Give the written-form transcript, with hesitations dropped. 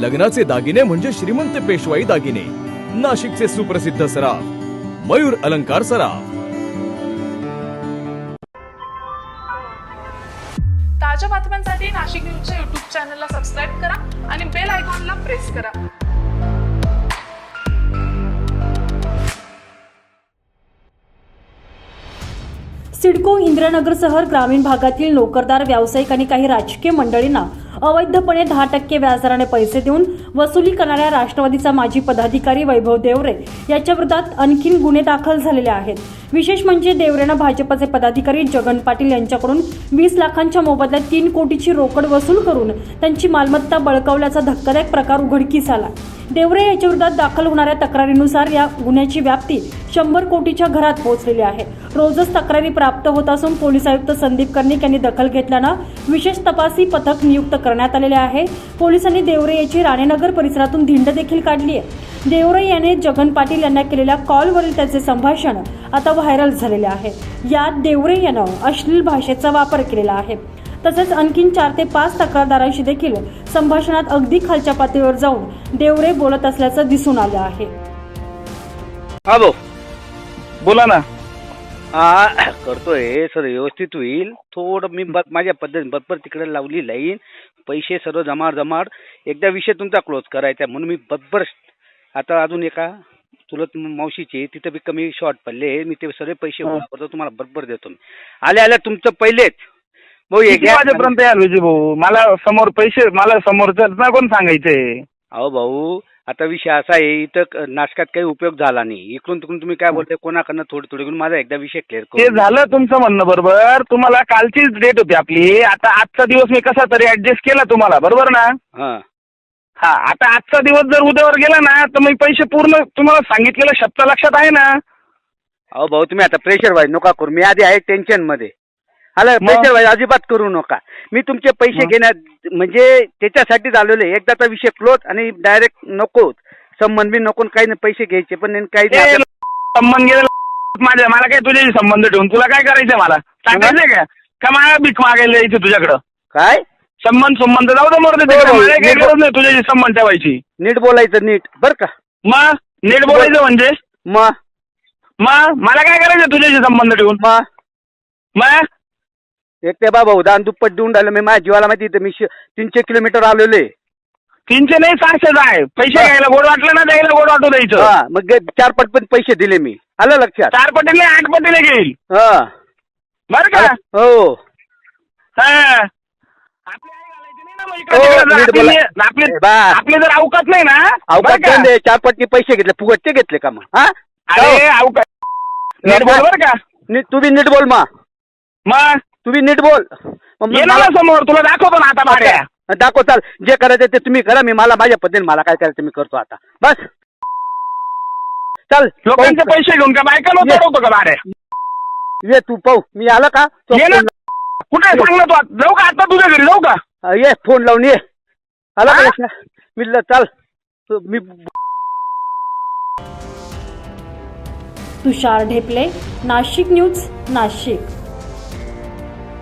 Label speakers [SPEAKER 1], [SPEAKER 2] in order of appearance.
[SPEAKER 1] लग्नाचे दागिने म्हणजे श्रीमंत पेशवाई दागिने, नाशिकचे सुप्रसिद्ध सराफ मयूर अलंकार सराफ।
[SPEAKER 2] ताज्या बातम्यांसाठी नाशिक न्यूजच्या यूट्यूब चॅनलला सबस्क्राईब करा आणि बेल आयकॉनला प्रेस करा।
[SPEAKER 3] सिडको इंद्रनगरसह ग्रामीण भागातील नोकरदार व्यावसायिक आणि काही राजकीय मंडळींना अवैधपणे 10% व्याजदराने पैसे देऊन वसुली करणाऱ्या राष्ट्रवादीचा माजी पदाधिकारी वैभव देवरे याच्या विरोधात आणखी गुन्हे दाखल झालेले आहेत। विशेष म्हणजे देवरेनं भाजपचे पदाधिकारी जगन पाटील यांच्याकडून 20 लाखांच्या मोबदल्यात 3 कोटीची रोकड वसूल करून त्यांची मालमत्ता बळकावल्याचा धक्कादायक प्रकार उघडकीस आला। देवरे याच्या विरोधात दाखल होणाऱ्या तक्रारीनुसार या गुन्ह्याची व्याप्ती 100 कोटीच्या घरात पोहोचलेली आहे। रोजच तक्रारी प्राप्त होत असून पोलीस आयुक्त संदीप कर्णिक यांनी दखल घेतल्यानं विशेष तपासी पथक नियुक्त करण्यात आलेले आहे। पोलिसांनी देवरे याची राणेनगर परिसरातून धिंड देखील काढली आहे। देवरे याने जगन पाटील यांना केलेल्या कॉलवरील त्याचे संभाषण आता व्हायरल झालेले आहे। यात देवरे यानं अश्लील भाषेचा वापर केलेला आहे। तसेच आणखी 4 ते 5 तक्रारदारांशी देखील संभाषणात अगदी खालच्या पातळीवर जाऊन देवरे बोलत असल्याचं दिसून आलं आहे।
[SPEAKER 4] हा भाऊ
[SPEAKER 5] बोला ना।
[SPEAKER 4] हा करतोय सर, व्यवस्थित होईल। थोडं मी माझ्या पद्धतीने बरोबर तिकडे लावली लाईन, पैसे सर्व जमाड एकदा विषय तुमचा क्लोज करायचा म्हणून मी बरोबर आता अजून एका चुलत मावशीचे तिथे बी कमी शॉर्ट पडले, मी ते सर्व पैसे गोळा करतो, तुम्हाला बरोबर देतो मी। आल्या तुमचं पहिलेच भाऊ
[SPEAKER 5] वाजेपर्यंत याल विजय भाऊ, मला समोर पैसे मला समोरचं ना कोण सांगायचंय।
[SPEAKER 4] अहो भाऊ आता विषय असा आहे, इथं नाटकात काही उपयोग झाला नाही, इकडून तिकडून तुम्ही काय बोलताय कोणाकडनं थोडी घेऊन माझा एकदा विषय क्लिअर
[SPEAKER 5] ते
[SPEAKER 4] करू।
[SPEAKER 5] झालं तुमचं म्हणणं बरोबर, तुम्हाला कालचीच डेट होती आपली, आता आजचा दिवस मी कसा तरी ऍडजस्ट केला तुम्हाला, बरोबर ना। हा आता आजचा दिवस जर उद्यावर गेला ना तर मी पैसे पूर्ण तुम्हाला सांगितलेलं शब्द लक्षात आहे ना।
[SPEAKER 4] अहो भाऊ तुम्ही आता प्रेशर वाईज नका करू, मी आधी आहे टेन्शन मध्ये। आला प्रेशर वाईज अजिबात करू नका, मी तुमचे पैसे घेण्यात म्हणजे त्याच्यासाठीच आलेले। एकदाचा विषय क्लोज आणि डायरेक्ट नको संबंध बी नको, काही नाही पैसे घ्यायचे पण काही
[SPEAKER 5] संबंध गेला माझ्या, मला काय तुझ्याशी संबंध ठेवून तुला काय करायचंय मला सांगायचंय का मला भीक मागायला यायची तुझ्याकडं काय संबंध जाऊ दे मरते, काही गरज नाही तुझ्याशी संबंध ठेवायची।
[SPEAKER 4] नीट बोलायचं नीट बर का,
[SPEAKER 5] मग नीट बोलायचं म्हणजे
[SPEAKER 4] मग
[SPEAKER 5] मला काय करायचं तुझ्याशी संबंध ठेवून मग
[SPEAKER 4] एक ते बाबा दान दुप्पट देऊन राहिलं मी, माझ्या जीवाला माहिती मी 300 किलोमीटर आलेले।
[SPEAKER 5] 300 नाही 600 आहे, पैसे घ्यायला गोड वाटलं ना द्यायला गोड वाटू द्यायचं।
[SPEAKER 4] मग 4 पट पण पैसे दिले मी, आलं लक्षात।
[SPEAKER 5] 4 पटीने 8 पटीने घेईल बर का।
[SPEAKER 4] हो
[SPEAKER 5] आपले जर अवकात नाही ना,
[SPEAKER 4] अवकात 4 पटने पैसे घेतले, फुगटचे घेतले का मग?
[SPEAKER 5] अरे अवकात नीट बोल बर का,
[SPEAKER 4] तू बी नीट बोल मग तू बी नीट बोल
[SPEAKER 5] समोर तुला दाखवतो ना आता भाड्या
[SPEAKER 4] दाखव। चाल जे करायचं ते तुम्ही करा, मी माझ्या पद्धतीने मला काय करायचं मी करतो आता बस। चल
[SPEAKER 5] लोकांचे पैसे घेऊन का बायका होतो का भाड्या,
[SPEAKER 4] ये तू पाहू मी आला का
[SPEAKER 5] कुठे सांग ना तू, जाऊ का आता तुझ्या घरी जाऊ का?
[SPEAKER 4] ये फोन लावून ये, आला का मी चाल मी।
[SPEAKER 3] तुषार ढेपले, नाशिक न्यूज, नाशिक।